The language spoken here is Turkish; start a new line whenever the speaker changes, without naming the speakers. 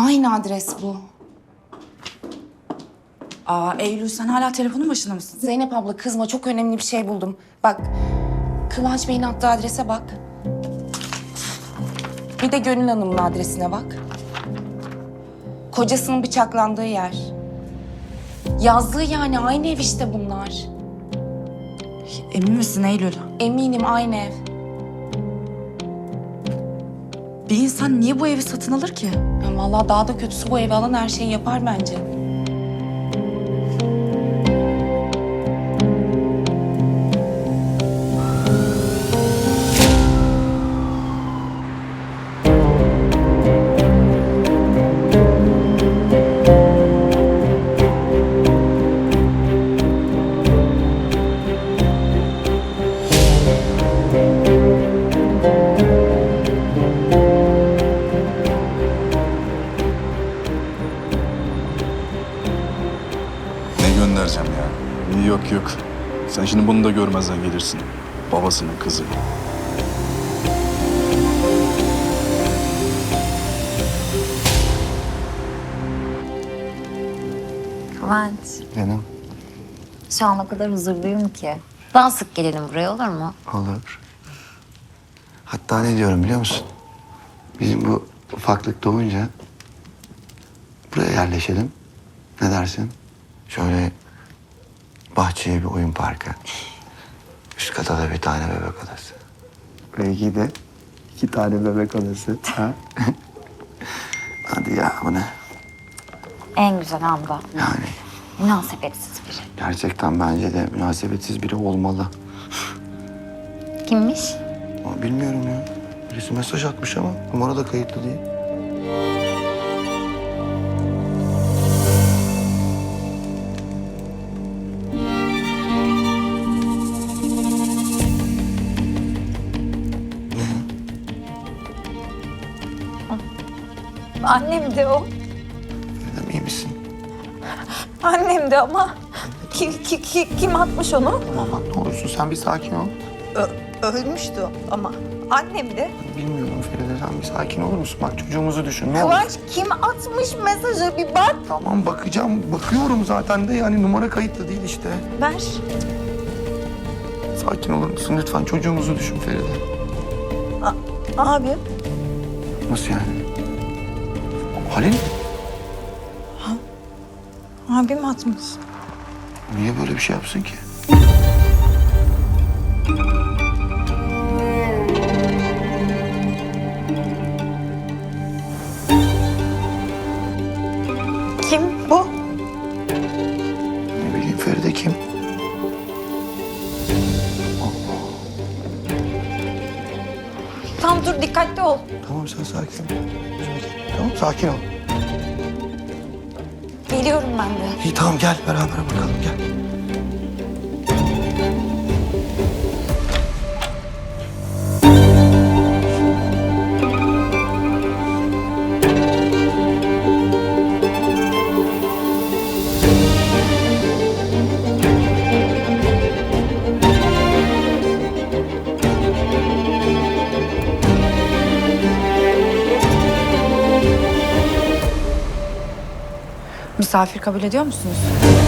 Aynı adres bu.
Eylül sen hala telefonun başında mısın?
Zeynep abla kızma, çok önemli bir şey buldum. Bak, Kıvanç Bey'in attığı adrese bak. Bir de Gönül Hanım'ın adresine bak. Kocasının bıçaklandığı yer. Yazdığı yani aynı ev işte bunlar.
Emin misin Eylül?
Eminim aynı ev.
Bir insan niye bu evi satın alır ki?
Ya vallahi daha da kötüsü bu evi alan her şeyi yapar bence.
Ne göndereceğim ya? Yok yok. Sen şimdi bunu da görmezden gelirsin. Babasının kızı.
Kıvanç,
Canım,
şu an o kadar huzurluyum ki. Daha sık gelelim buraya, olur mu?
olur. Hatta ne diyorum biliyor musun? Bizim bu ufaklık doğunca buraya yerleşelim. Ne dersin? Şöyle bahçeye bir oyun parkı. Üst kata da bir tane bebek odası. Belki de 2 tane bebek odası. Ha? Hadi ya, bu ne?
En güzel anda.
Yani
Münasebetsiz biri.
gerçekten bence de münasebetsiz biri olmalı.
Kimmiş?
Ama bilmiyorum ya. Birisi mesaj atmış ama numara da kayıtlı değil.
Annemdi o.
Neden, iyi misin?
Annemdi ama kim atmış onu?
Tamam bak, ne olursun sen bir sakin ol.
Ölmüştü ama. Annemdi.
Bilmiyorum Feride, sen bir sakin olur musun? Bak çocuğumuzu düşün, ne olur.
Kıvanç kim atmış mesajı bir bak.
Tamam bakacağım, bakıyorum zaten de yani numara kayıtlı değil işte.
Ver.
Sakin olur musun lütfen, çocuğumuzu düşün Feride.
Abi.
Nasıl yani? Halil,
Abim atmış.
niye böyle bir şey yapsın ki?
Kim bu?
Ne bileyim Feride, kim?
Tamam dur dikkatli ol.
Tamam sen sakin ol. Tamam sakin ol.
Geliyorum ben de.
İyi tamam, gel beraber bakalım, gel.
Misafir kabul ediyor musunuz?